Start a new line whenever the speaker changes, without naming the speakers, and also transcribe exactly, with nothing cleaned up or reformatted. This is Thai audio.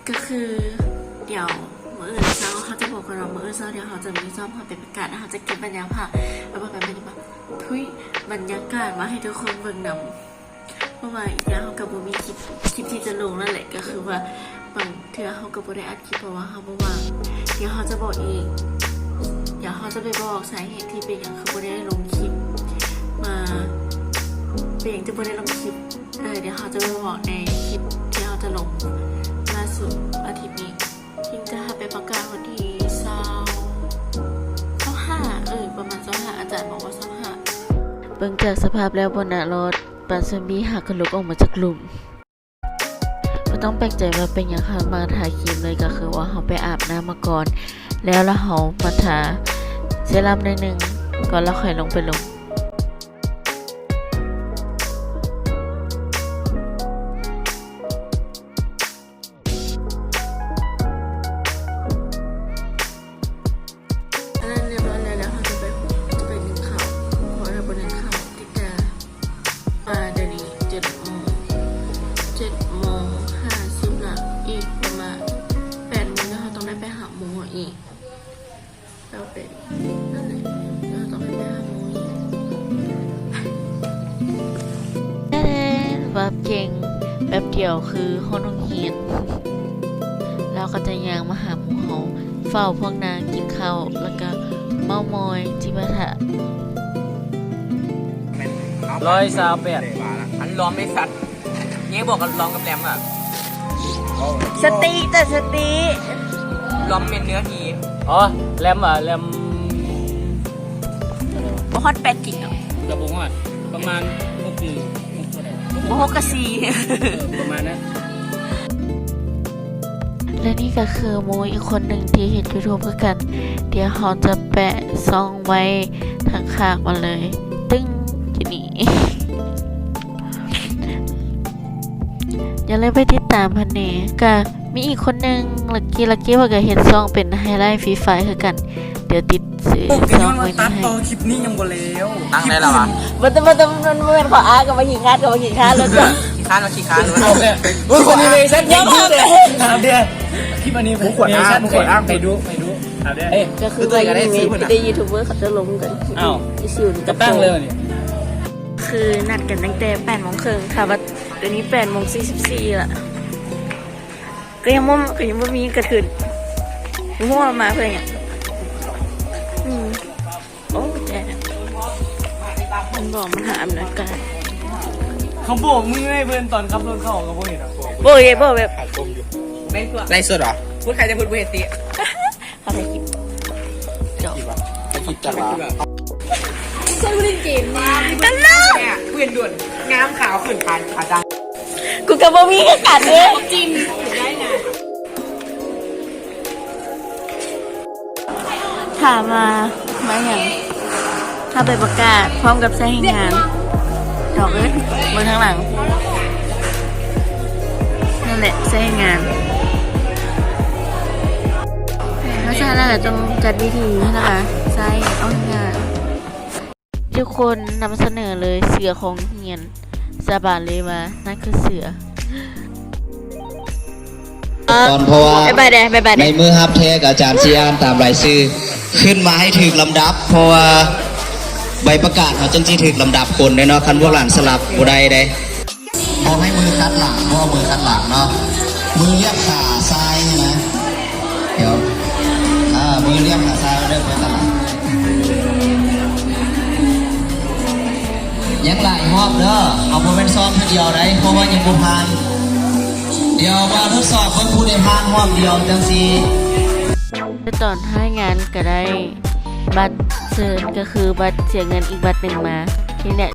ก็คือเดี๋ยวมื้ออื่นเช้าเขาจะบอกกับเรามื้ออื่นเช้าเดี๋ยวเขาจะมีซ้อมเขาเป็นประกาศเขาจะเก็บบรรยากาศแล้วบอกกันเป็นแบบทุยบรรยากาศมาให้ทุกคนเบิ่งนำเพราะว่าอีกอย่างเขากับโบมีคลิปคลิปที่จะลงนั่นแหละก็คือว่าบางเทื่อเขากับโบได้อัดคลิปเพราะว่าเขาบอกว่าเดี๋ยวเขาจะบอกเองเดี๋ยวเขาจะไปบอกสาเหตุที่เป็นอย่างคือโบได้ลงคลิปมาเป็นอย่างที่โบได้ลงคลิปเออเดี๋ยวเขาจะไปบอกในคลิปที่เขาจะลงล่าสุดอาทิตย์นี้ทิ้งจะหาไปประกาศวันที่เศร้าเศร้าห้าเออประมาณเศร้าห้าอาจารย์บอกว่าเศร้าห้าเบิ่งจากสภาพแล้วบนหน้ารถปันซอมบี้หักกระลุกออกมาจากหลุมไม่ต้องแปลกใจว่าเป็นอย่างเขามาทาครีมเลยก็คือว่าเขาไปอาบน้ำมาก่อนแล้วแล้วเขามาทาเซรั่มหน่อยนึงก่อนแล้วค่อยลงไปลงเราเป็นนั่นแหละเราต้องไปหาหมูอีกแน่ๆแบบเก่งแบบเดียวคือห้องเฮียนเราก็จะย่างมาหาหมูเขาเฝ้าพวกนางกินข้าวแล้วก็เมามอยจิบะทะ
ร้อยสาวแปดอันล้อมไม่สัตว์เงี้ยบอกกันล้อมกับแหลมอ่ะ
สติแต่สติ
ล้อมเป็นเนื้อทีอ๋อแหลมอ่ะแหลม
บ่ฮอตแปดกิกเนาะ
กระปุกฮอดประมาณหกหนึ่งหกเท่าไหร่
บ่ฮอกกะซี
ประมาณนั้น
และนี่ก็คือโมอีกคนหนึ่งที่เห็นยูทูบเพื่อกันเดี๋ยวเขาจะแปะซองไว้ทางข้างมาเลยตึ้งจะนี่อย่าลืมไปติดตามพันเนก็มีอีกคนหนึ่งลักกี้ลักกี้ว่าก็เห็นซองเป็นไฮไลท์ฟรีไฟคือกันเดี๋ยวติดซื้อซองไว้ให้
ตัดต่อคลิปนี้ยังบ่แล้ว
ตั้งได้แล้วอ่ะ
มันจะมันจะมันเป็นขออากับมาหิงคาดกับมาหิงคาดแล้วก็
ขี้ค้านมาขี้ค้านเลย
อุ้ยคนนี้เลยฉันยังเลยถามเดียวคลิปอันนี้ผมขวดอ้างขวดอ้างไปดูไปดูถามเดียว
ก็คือตัวก็ได้ซื้อได้ยูทูบเบอร์เขาจะลงกัน
อ้าว
ซิว
จะตั้งเลยนี่
คือนัดกันตั้งแต่แปดโมงครึ่งค่ะว่าเดี๋ยวนี้แปดโมงสี่สิบสี่ละก็ยังมั่วก็ยังไม่มีกระถืนมั่วมาเพื่อนเนี่ยอืมโอ้แจ๊มันบอกมันหาอำนาจการ
เขาบอกมึงให้เพื่อนตอนขับรถเข้ากับพวกเห็นอ่ะ
โบยโบแบบ
ไล่สดเหรอพูดใครจะพูดพูดเฮติ
เขาไปคลิปจบ
ไปคลิปจับมา
ฉันเล่นเกมมา
กันเลยเปลี่ยนด่วนงามขาวขึ้นขาขาดัง
กูกับโบมีกันกัดเลยจิ้มได้นะถามมามาอย่างถ้าไปประกาศพร้อมกับใช้งานดอกเอ้ยบนข้างหลังนั่นแหละใช้งานถ้าใช่แล้วจะต้องจัดวิธีนะคะใช้เอางานทุกคนนำเสนอเลยเสือของเฮียนสาบานเลยว่านั่นคือเสือ
ตอนเพราะว่าในมือฮับเทกอาจารย์ซีอานตามรายชื่อขึ้นมาให้ถึงลำดับเพราะว่าใบประกาศเขาจังจีถึงลำดับคนเนาะคันพวกหลานสลับบุได้ได้พอให้มือคัดหลังเพราะมือคัดหลังเนาะมือเรียบขาซ้ายนะเดี๋ยวอ่ามือเรียบขาซ้ายเริ่มไปตลอดยังหลายรอบเด้อเอาโมเมนต์ซ้อมเดียวได้เพราะว่ายังบุพานเดี๋ยวมาทดสอบคนผู้ได้พานรอบเดียวจังซี
ตอนให้งานก็ได้บัตรเชิญก็คือบัตรเสียเงินอีกบัตรหนึ่งมาที่เนี่ย